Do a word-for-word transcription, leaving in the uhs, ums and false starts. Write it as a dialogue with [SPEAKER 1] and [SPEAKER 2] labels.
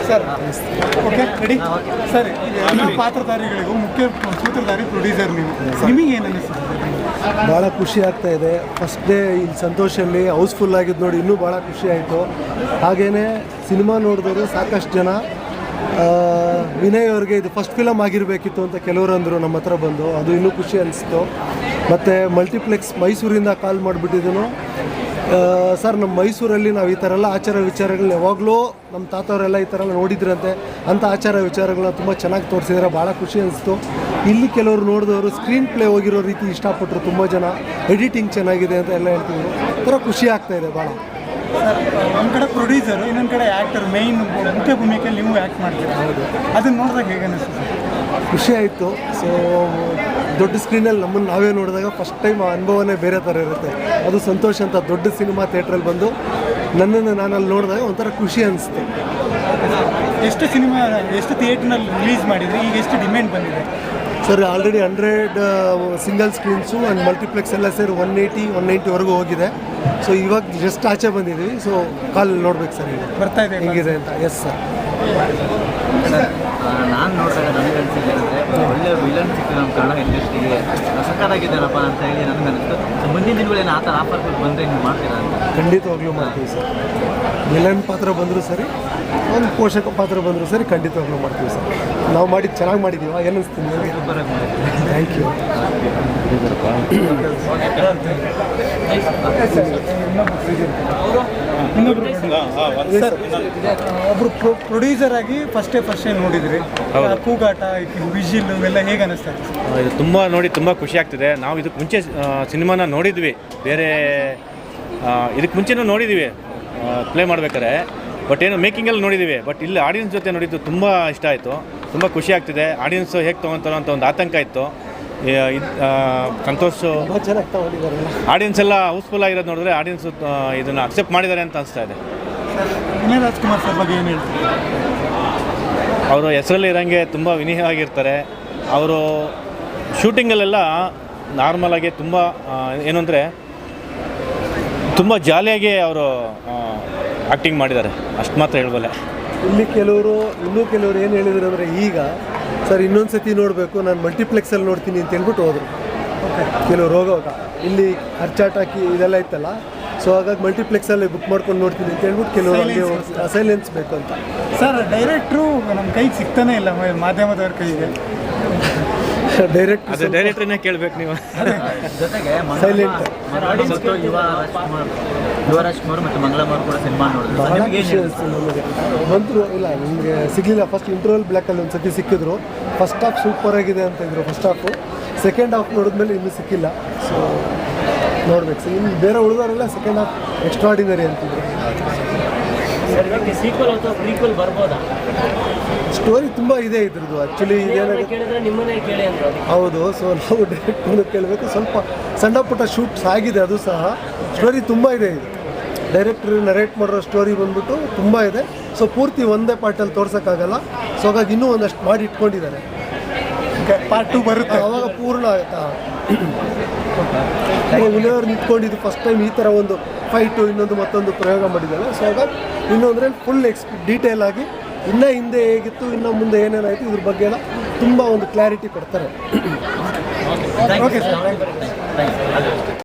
[SPEAKER 1] Sir okay ready sir. ಎಲ್ಲ ಪಾತ್ರಧಾರಿಗಳಿಗೂ ಮುಖ್ಯ ಸೂತ್ರಧಾರಿ producer ನೀವು, ನಿಮಗೆ ಏನು ಅನಿಸ್ತದೆ?
[SPEAKER 2] ಭಾಳ ಖುಷಿ ಆಗ್ತಾ ಇದೆ. ಫಸ್ಟ್ ಡೇ ಇಲ್ಲಿ ಸಂತೋಷಲ್ಲಿ ಹೌಸ್ಫುಲ್ ಆಗಿದ್ದು ನೋಡಿ ಇನ್ನೂ ಭಾಳ ಖುಷಿ ಆಯಿತು. ಹಾಗೆಯೇ ಸಿನಿಮಾ ನೋಡಿದವರು ಸಾಕಷ್ಟು ಜನ ವಿನಯ್ ಅವ್ರಿಗೆ ಇದು ಫಸ್ಟ್ ಫಿಲಮ್ ಆಗಿರಬೇಕಿತ್ತು ಅಂತ ಕೆಲವರು ಅಂದರು ನಮ್ಮ ಹತ್ರ ಬಂದು, ಅದು ಇನ್ನೂ ಖುಷಿ ಅನಿಸ್ತು. ಮತ್ತು ಮಲ್ಟಿಪ್ಲೆಕ್ಸ್ ಮೈಸೂರಿಂದ ಕಾಲ್ ಮಾಡಿಬಿಟ್ಟಿದ್ದನು, ಸರ್ ನಮ್ಮ ಮೈಸೂರಲ್ಲಿ ನಾವು ಈ ಥರ ಎಲ್ಲ ಆಚಾರ ವಿಚಾರಗಳನ್ನ ಯಾವಾಗಲೂ ನಮ್ಮ ತಾತವರೆಲ್ಲ ಈ ಥರ ಎಲ್ಲ ನೋಡಿದ್ರಂತೆ, ಅಂಥ ಆಚಾರ ವಿಚಾರಗಳನ್ನ ತುಂಬ ಚೆನ್ನಾಗಿ ತೋರಿಸಿದ್ರೆ ಭಾಳ ಖುಷಿ ಅನಿಸ್ತು. ಇಲ್ಲಿ ಕೆಲವರು ನೋಡಿದವರು ಸ್ಕ್ರೀನ್ ಪ್ಲೇ ಹೋಗಿರೋ ರೀತಿ ಇಷ್ಟಪಟ್ಟರು, ತುಂಬ ಜನ ಎಡಿಟಿಂಗ್ ಚೆನ್ನಾಗಿದೆ ಅಂತ ಎಲ್ಲ ಹೇಳ್ತಿದ್ರು. ಥರ ಖುಷಿ ಆಗ್ತಾಯಿದೆ ಭಾಳ.
[SPEAKER 1] ಸರ್ ಒಂದು ಕಡೆ ಪ್ರೊಡ್ಯೂಸರು, ಇನ್ನೊಂದು ಕಡೆ ಆ್ಯಕ್ಟರ್, ಮೇಯ್ನ್ ಮುಖ್ಯ ಭೂಮಿಕೆಯಲ್ಲಿ ನೀವು ಆ್ಯಕ್ಟ್ ಮಾಡ್ತೀರಾ. ಹೌದು, ಅದನ್ನು ನೋಡಿದಾಗ ಹೇಗೆ ಅನಿಸ್ತದೆ? ಖುಷಿ
[SPEAKER 2] ಆಯಿತು. ಸೊ ದೊಡ್ಡ ಸ್ಕ್ರೀನಲ್ಲಿ ನಮ್ಮನ್ನು ನಾವೇ ನೋಡಿದಾಗ ಫಸ್ಟ್ ಟೈಮ್ ಆ ಅನುಭವನೇ ಬೇರೆ ಥರ ಇರುತ್ತೆ. ಅದು ಸಂತೋಷ ಅಂತ ದೊಡ್ಡ ಸಿನಿಮಾ ಥಿಯೇಟ್ರಲ್ಲಿ ಬಂದು ನನ್ನನ್ನು ನಾನು ಅಲ್ಲಿ ನೋಡಿದಾಗ ಒಂಥರ ಖುಷಿ ಅನಿಸ್ತು.
[SPEAKER 1] ಎಷ್ಟು ಸಿನಿಮಾ ಎಷ್ಟು ಥಿಯೇಟ್ರ್ನಲ್ಲಿ ರಿಲೀಸ್ ಮಾಡಿದರೆ ಈಗ ಎಷ್ಟು ಡಿಮ್ಯಾಂಡ್ ಬಂದಿದೆ?
[SPEAKER 2] Sir already hundred single screens and multiplex ಎಲ್ಲ ಸೇರಿ ಒನ್ ಏಯ್ಟಿ ಒನ್ ನೈಂಟಿವರೆಗೂ ಹೋಗಿದೆ. ಸೊ ಇವಾಗ ಜಸ್ಟ್ ಆಚೆ ಬಂದಿದ್ದೀವಿ. ಸೊ ಕಾಲ್ ನೋಡ್ಬೇಕು ಸರ್, ಈಗ
[SPEAKER 1] ಬರ್ತಾ ಇದೆ
[SPEAKER 2] ಹೆಂಗಿದೆ ಅಂತ. Yes sir.
[SPEAKER 3] ನಾನು ನೋಡಿದಾಗ ನನಗೆ ಅನಿಸಿದೆ ಅಂದರೆ ಒಳ್ಳೆ ವಿಲನ್ ಸಿಕ್ಕಿದೆ ನಮ್ಮ ಕನ್ನಡ ಇಂಡಸ್ಟ್ರಿಗೆ, ಸಕ್ಕತ್ತಾಗಿದ್ದಾರಪ್ಪ ಅಂತ ಹೇಳಿ ನನಗೆ ಅನಿಸ್ತು. ಮುಂದಿನ ದಿನಗಳೇನು ಆ ಥರ ಆಫರ್ಗಳು ಬಂದರೆ ನೀವು ಮಾಡ್ತೀರಾ ಅಂತ?
[SPEAKER 2] ಖಂಡಿತವಾಗ್ಲೂ ಮಾಡ್ತೀವಿ ಸರ್. ವಿಲನ್ ಪಾತ್ರ ಬಂದರೂ ಸರಿ, ಒಂದು ಪೋಷಕ ಪಾತ್ರ ಬಂದರೂ ಸರಿ, ಖಂಡಿತವಾಗ್ಲೂ ಮಾಡ್ತೀವಿ ಸರ್. ನಾವು ಮಾಡಿದ್ದು ಚೆನ್ನಾಗಿ ಮಾಡಿದ್ದೀವ, ಏನು ಅನಿಸ್ತೀನಿ ನಿಮಗೆ? Thank you.
[SPEAKER 1] ಒಬ್ಬರು ಪ್ರೊಡ್ಯೂಸರ್ ಆಗಿ ಫಸ್ಟೇ ಫಸ್ಟೇ ನೋಡಿದ್ರಿ, ಕೂಗಾಟ ವಿಜಿಲ್ ಇವೆಲ್ಲ ಹೇಗೆ ಅನಿಸ್ತಾ ಇದೆ?
[SPEAKER 4] ಇದು ತುಂಬ ನೋಡಿ ತುಂಬ ಖುಷಿ ಆಗ್ತಿದೆ. ನಾವು ಇದಕ್ಕೆ ಮುಂಚೆ ಸಿನಿಮಾನ ನೋಡಿದ್ವಿ, ಬೇರೆ ಇದಕ್ಕೆ ಮುಂಚೆನೂ ನೋಡಿದ್ದೀವಿ ಪ್ಲೇ ಮಾಡ್ಬೇಕಾದ್ರೆ, ಬಟ್ ಏನು ಮೇಕಿಂಗಲ್ಲಿ ನೋಡಿದ್ದೀವಿ. ಬಟ್ ಇಲ್ಲಿ ಆಡಿಯನ್ಸ್ ಜೊತೆ ನೋಡಿದ್ದು ತುಂಬ ಇಷ್ಟ ಆಯಿತು, ತುಂಬ ಖುಷಿ ಆಗ್ತಿದೆ. ಆಡಿಯನ್ಸು ಹೇಗೆ ತೊಗೊತಾರೋ ಅಂತ ಒಂದು ಆತಂಕ ಇತ್ತು. ಸಂತೋಷ ಆಡಿಯನ್ಸ್ ಎಲ್ಲ ಹೌಸ್ಫುಲ್ ಆಗಿರೋದು ನೋಡಿದ್ರೆ ಆಡಿಯನ್ಸು ಇದನ್ನು ಅಕ್ಸೆಪ್ಟ್ ಮಾಡಿದ್ದಾರೆ ಅಂತ ಅನಿಸ್ತಾ ಇದೆ.
[SPEAKER 1] ವಿನಯ್ ರಾಜ್ಕುಮಾರ್ ಸರ್ ಬಗ್ಗೆ ಏನು ಹೇಳ್ತೀವಿ?
[SPEAKER 4] ಅವರು ಹೆಸರಲ್ಲಿ ಇರೋಂಗೆ ತುಂಬ ವಿನಯವಾಗಿರ್ತಾರೆ. ಅವರು ಶೂಟಿಂಗಲ್ಲೆಲ್ಲ ನಾರ್ಮಲಾಗಿ ತುಂಬ ಏನು ಅಂದರೆ ತುಂಬ ಜಾಲಿಯಾಗಿ ಅವರು ಆ್ಯಕ್ಟಿಂಗ್ ಮಾಡಿದ್ದಾರೆ, ಅಷ್ಟು ಮಾತ್ರ ಹೇಳ್ಬಲ್ಲೆ.
[SPEAKER 2] ಇಲ್ಲಿ ಕೆಲವರು ಇನ್ನೂ ಕೆಲವರು ಏನು ಹೇಳಿದ್ರು ಅಂದರೆ, ಈಗ ಸರ್ ಇನ್ನೊಂದು ಸತಿ ನೋಡಬೇಕು, ನಾನು ಮಲ್ಟಿಪ್ಲೆಕ್ಸಲ್ಲಿ ನೋಡ್ತೀನಿ ಅಂತ ಹೇಳ್ಬಿಟ್ಟು ಹೋದರು. ಓಕೆ, ಕೆಲವ್ರು ಹೋಗೋವಾಗ ಇಲ್ಲಿ ಖರ್ಚಾಟಾಕಿ ಇದೆಲ್ಲ ಇತ್ತಲ್ಲ, ಸೊ ಹಾಗಾಗಿ ಮಲ್ಟಿಪ್ಲೆಕ್ಸಲ್ಲಿ ಬುಕ್ ಮಾಡ್ಕೊಂಡು ನೋಡ್ತೀನಿ ಅಂತ ಹೇಳ್ಬಿಟ್ಟು ಕೆಲವರು ಅಲ್ಲಿ ಸೈಲೆನ್ಸ್ ಬೇಕು ಅಂತ.
[SPEAKER 1] ಸರ್ ಡೈರೆಕ್ಟ್ರು ನಮ್ಮ ಕೈಗೆ ಸಿಗ್ತಾನೆ ಇಲ್ಲ, ಮಾಧ್ಯಮದವ್ರ ಕೈಗೆ.
[SPEAKER 2] ಡೈರೆಕ್ಟ್
[SPEAKER 4] ಅದೇ ಡೈರೆಕ್ಟ್ರನ್ನೇ ಕೇಳಬೇಕು ನೀವು.
[SPEAKER 3] ಜೊತೆಗೆ
[SPEAKER 2] ಸೈಲೆಂಟ್
[SPEAKER 3] ಯುವ ರಾಜ್ಕುಮಾರ್ ಯುವ ರಾಜ್ಕುಮಾರ್ ಮತ್ತು ಮಂಗಳಮರು ಕೂಡ ಸಿನಿಮಾ ನೋಡಿದ್ರು.
[SPEAKER 2] ಭಾಳ ಖುಷಿ ಅನಿಸ್ತು ನಮಗೆ. ಬಂದರು ಇಲ್ಲ ನಿಮಗೆ ಸಿಗಲಿಲ್ಲ. ಫಸ್ಟ್ ಇಂಟರ್ವಲ್ ಬ್ಲ್ಯಾಕಲ್ಲಿ ಒಂದು ಸತಿ ಸಿಕ್ಕಿದ್ರು. ಫಸ್ಟ್ ಹಾಫ್ ಸೂಪರ್ ಆಗಿದೆ ಅಂತ ಇದ್ರು ಫಸ್ಟ್ ಹಾಫು. ಸೆಕೆಂಡ್ ಹಾಫ್ ನೋಡಿದ್ಮೇಲೆ ಇನ್ನೂ ಸಿಕ್ಕಿಲ್ಲ. ಸೊ ನೋಡ್ಬೇಕು ಸರ್, ಇನ್ನು ಬೇರೆ ಉಳಿದವರೆಲ್ಲ ಸೆಕೆಂಡ್ ಹಾಫ್ ಎಕ್ಸ್ಟ್ರಾಡಿನರಿ ಅಂತಿದ್ರು. ಸ್ಟೋರಿ ತುಂಬ ಇದೆ ಇದ್ರದ್ದು. ಆ್ಯಕ್ಚುಲಿ ಇದೇನಾಗುತ್ತೆ, ಹೌದು. ಸೊ ನಾವು ಡೈರೆಕ್ಟ್ ಕೇಳಬೇಕು. ಸ್ವಲ್ಪ ಸಣ್ಣ ಪುಟ್ಟ ಶೂಟ್ಸ್ ಆಗಿದೆ, ಅದು ಸಹ. ಸ್ಟೋರಿ ತುಂಬ ಇದೆ ಇದು. ಡೈರೆಕ್ಟ್ರು ನರೇಟ್ ಮಾಡಿರೋ ಸ್ಟೋರಿ ಬಂದ್ಬಿಟ್ಟು ತುಂಬ ಇದೆ. ಸೊ ಪೂರ್ತಿ ಒಂದೇ ಪಾರ್ಟಲ್ಲಿ ತೋರ್ಸೋಕ್ಕಾಗಲ್ಲ. ಸೊ ಹಾಗಾಗಿ ಇನ್ನೂ ಒಂದಷ್ಟು ಮಾಡಿ ಇಟ್ಕೊಂಡಿದ್ದಾರೆ.
[SPEAKER 1] ಪಾರ್ಟ್ ಟು ಬರುತ್ತೆ,
[SPEAKER 2] ಆವಾಗ ಪೂರ್ಣ ಆಗುತ್ತಾ. ವಿನಯವ್ರು ನಿಂತ್ಕೊಂಡಿದ್ದು ಫಸ್ಟ್ ಟೈಮ್ ಈ ಥರ ಒಂದು ಫೈಟು ಇನ್ನೊಂದು ಮತ್ತೊಂದು ಪ್ರಯೋಗ ಮಾಡಿದ್ದಾರೆ. ಸೊ ಹಾಗಾಗಿ ಇನ್ನೊಂದರೆ ಫುಲ್ ಎಕ್ಸ್ ಡೀಟೇಲ್ ಆಗಿ ಇನ್ನೂ ಹಿಂದೆ ಹೇಗಿತ್ತು, ಇನ್ನು ಮುಂದೆ ಏನೇನಾಯಿತು ಇದ್ರ ಬಗ್ಗೆ ಎಲ್ಲ ತುಂಬ ಒಂದು ಕ್ಲಾರಿಟಿ ಕೊಡ್ತಾರೆ.
[SPEAKER 1] Okay sir.